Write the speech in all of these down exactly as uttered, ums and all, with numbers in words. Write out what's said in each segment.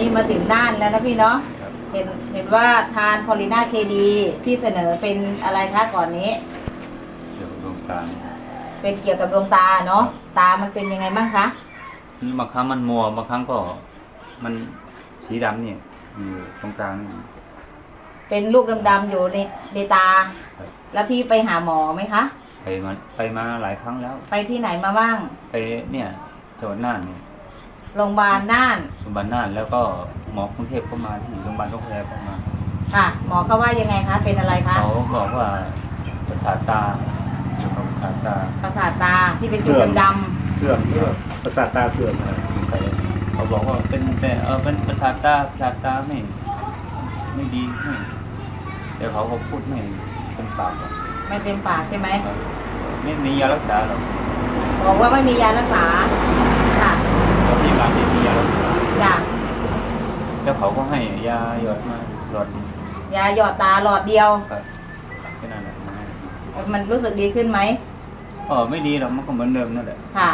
มาถึงน่านแล้วนะพี่เนาะเห็นเห็นว่าทานพอลิน่าเคดีที่เสนอเป็นอะไรคะก่อนนี้เกี่ยวกับดวงตาเป็นเกี่ยวกับดวงตาเนาะตามันเป็นยังไงบ้างคะบางครั้งมันมัวบางครั้งก็มันสีดำเนี่ยอยู่ตรงกลางเป็นลูกดำๆอยู่ในในตาแล้วพี่ไปหาหมอไหมคะไปมาไปมาหลายครั้งแล้วไปที่ไหนมาบ้างไปเนี่ยจังหวัดน่านเนี่ยโรงพยาบาลน่านโรงพยาบาลน่านแล้วก็หมอกรุงเทพก็มาที่โรงพยาบาลโรงพยาบาลก็มาค่ะหมอเขาว่ายังไงคะเป็นอะไรคะเขาบอกว่าประสาทตาประสาทตาประสาทตาที่เป็นจุดดำเสื่อมเสื่อมประสาทตาเสื่อมเขาบอกว่าเป็นแต่เออเป็นประสาทตาประสาทตาไม่ไม่ดีไม่แต่เขาก็พูดไม่เต็มปากไม่เต็มปากใช่ไหมไม่มียารักษาหรอกบอกว่าไม่มียารักษาค่ะแล้วที่ร้านไม่มียารักษาจ้ะแล้วเขาก็ให้ยาหยอดมาหลอดยาหยอดตาหลอดเดียวครับแค่นั้นแหละมันรู้สึกดีขึ้นไหมอ๋อไม่ดีหรอกมันก็เหมือนเดิมนั่นแหละค่ะ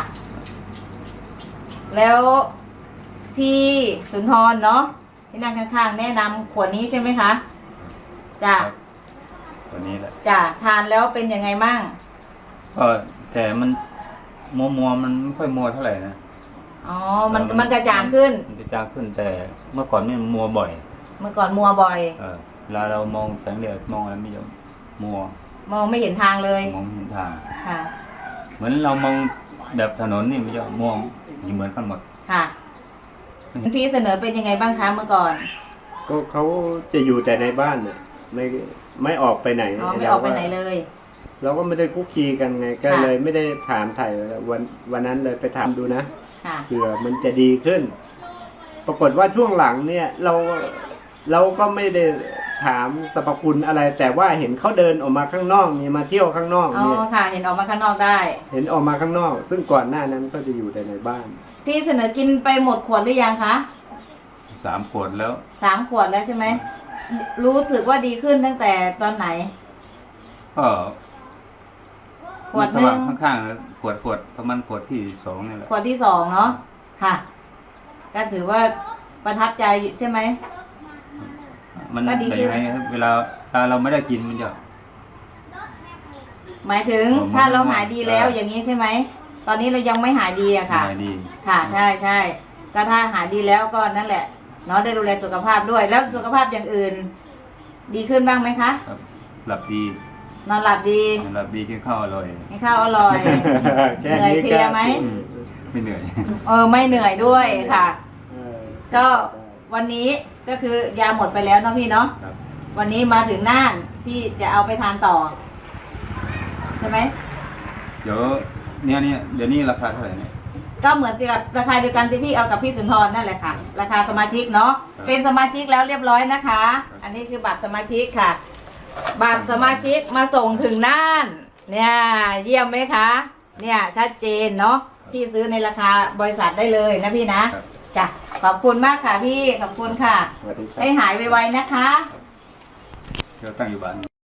แล้วพี่สุนทรเนาะที่นั่งข้างๆแนะนำขวดนี้ใช่ไหมคะจ้ะตัวนี้แหละจ้ะทานแล้วเป็นยังไงบ้างก็แต่มันมัวมัวมันไม่ค่อยมัวเท่าไหร่นะอ๋อมันมันกระจ่างขึ้นมันกระจ่างขึ้นแต่เมื่อก่อนนี่มันมัวบ่อยเมื่อก่อนมัวบ่อยเออเวลาเรามองแสงแดดมองอะไรไม่ยอมมัวมองไม่เห็นทางเลยมองไม่เห็นทางค่ะเหมือนเรามองแบบถนนนี่ไม่ยอมมองอยู่เหมือนกันหมดค่ะพี่เสนอเป็นยังไงบ้างคะเมื่อก่อนก็เขาจะอยู่แต่ในบ้านน่ะไม่ไม่ออกไปไหนอ๋อไม่ออกไปไหนเลยเราก็ไม่ได้คุกคีกันไงก็เลยไม่ได้ถามไถ่วันวันนั้นเลยไปถามดูนะเผื่อมันจะดีขึ้นปรากฏว่าช่วงหลังเนี่ยเราเราก็ไม่ได้ถามสรรพคุณอะไรแต่ว่าเห็นเขาเดินออกมาข้างนอกมีมาเที่ยวข้างนอกเนี่ยอ๋อค่ะเห็นออกมาข้างนอกได้เห็นออกมาข้างนอกซึ่งก่อนหน้านั้นก็จะอยู่แต่ในบ้านพี่เสนอกินไปหมดขวดหรือยังคะสามขวดแล้วสามขวดแล้วใช่ไหมรู้สึกว่าดีขึ้นตั้งแต่ตอนไหนก็ขวดนึงข้างๆขวดขวดประมาณขวดที่สองนี่แหละขวดที่สองเนาะค่ะก็ถือว่าประทับใจใช่ไหมมันเป็นยังไงเวลาถ้าเราไม่ได้กินมันจะหมายถึงถ้าเราหายดีแล้วอย่างนี้ใช่ไหมตอนนี้เรายังไม่หายดีอะค่ะค่ะใช่ใช่ก็ถ้าหายดีแล้วก็นั่นแหละเนาะได้ดูแลสุขภาพด้วยแล้วสุขภาพอย่างอื่นดีขึ้นบ้างไหมคะหลับดีนอนหลับดีหลับดีกินข้าวอร่อยกินข้าวอร่อยเหนื่อยเพลียไหมไม่เหนื่อยเออไม่เหนื่อยด้วยค่ะก็วันนี้ก็คือยาหมดไปแล้วเนาะพี่เนาะวันนี้มาถึงน่านพี่จะเอาไปทานต่อใช่ไหมเดี๋ยวเนี่ยเนี่ยเดี๋ยวนี้ราคาเท่าไหร่เนี่ยก็เหมือนกับราคาเดียวกันที่พี่เอากับพี่สุนทรนั่นแหละค่ะราคาสมาชิกเนาะเป็นสมาชิกแล้วเรียบร้อยนะคะอันนี้คือบัตรสมาชิกค่ะบัตรสมาชิกมาส่งถึงน่านเนี่ยเยี่ยมไหมคะเนี่ยชัดเจนเนาะพี่ซื้อในราคาบริษัทได้เลยนะพี่นะจ้ะขอบคุณมากค่ะพี่ขอบคุณค่ะให้หายไวๆนะคะเดี๋ยวตั้งอยู่บ้าน